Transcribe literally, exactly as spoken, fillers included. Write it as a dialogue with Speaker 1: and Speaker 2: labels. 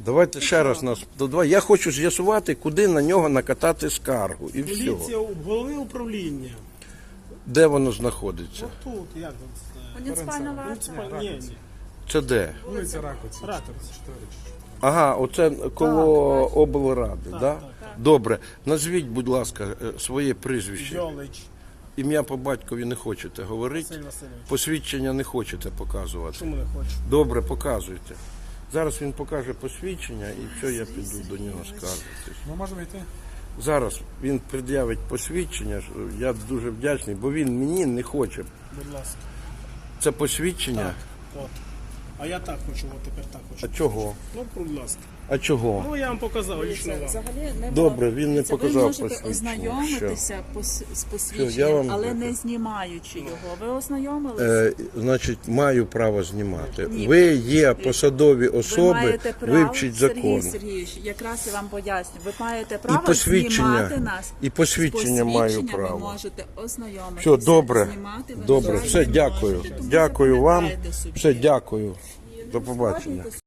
Speaker 1: Давайте ще раз нас. Давай. Я хочу з'ясувати, куди на нього накатати скаргу. І все.
Speaker 2: Поліція, головне управління.
Speaker 1: Де воно знаходиться?
Speaker 2: Тут, як тут?
Speaker 3: Муніципальна варта.
Speaker 2: Муніципальна. Ні, ні.
Speaker 1: Це де?
Speaker 4: Вулиця Ракоці,
Speaker 2: Ракоці.
Speaker 4: чотири.
Speaker 1: Ага, оце коло облради, так? Да?
Speaker 2: так,
Speaker 1: Добре. Назвіть, будь ласка, е, своє прізвище.
Speaker 2: Йолич.
Speaker 1: Ім'я по батькові не хочете говорити?
Speaker 2: Василь Васильович.
Speaker 1: Посвідчення не хочете показувати?
Speaker 2: Чому не хочу?
Speaker 1: Добре, показуйте. Зараз він покаже посвідчення і все, я піду до нього скаржитись.
Speaker 4: Ми можемо йти?
Speaker 1: Зараз він пред'явить посвідчення, що я дуже вдячний, бо він мені не хоче.
Speaker 2: Будь ласка.
Speaker 1: Це посвідчення?
Speaker 2: От. А я так хочу, от тепер так
Speaker 1: А
Speaker 2: хочу.
Speaker 1: чого?
Speaker 2: Ну, будь ласка.
Speaker 1: А чого?
Speaker 2: Ну, я вам показав лично вам.
Speaker 3: Взагалі не
Speaker 1: Добре, він не
Speaker 3: Це
Speaker 1: показав
Speaker 3: ви можете
Speaker 1: посвідчення.
Speaker 3: ознайомитися пос- з
Speaker 1: Що,
Speaker 3: посвідченням,
Speaker 1: я вам
Speaker 3: але
Speaker 1: дякую.
Speaker 3: не знімаючи його. Ви ознайомилися?
Speaker 1: Е, значить, маю право знімати.
Speaker 3: Ні.
Speaker 1: Ви є посадові
Speaker 3: Ви
Speaker 1: особи,
Speaker 3: маєте право,
Speaker 1: вивчіть закон.
Speaker 3: Сергій Сергійович, якраз я вам поясню. Ви маєте право
Speaker 1: посвідчення,
Speaker 3: знімати нас.
Speaker 1: і посвідчення
Speaker 3: З
Speaker 1: маю
Speaker 3: посвідченням
Speaker 1: право.
Speaker 3: Ви можете ознайомитися.
Speaker 1: Все, добре.
Speaker 3: Знімати ви
Speaker 1: Добре,
Speaker 3: не
Speaker 1: все,
Speaker 3: можете.
Speaker 1: дякую.
Speaker 3: Тому
Speaker 1: Дякую вам.
Speaker 3: запам'ятайте собі.
Speaker 1: Все, дякую. До побачення.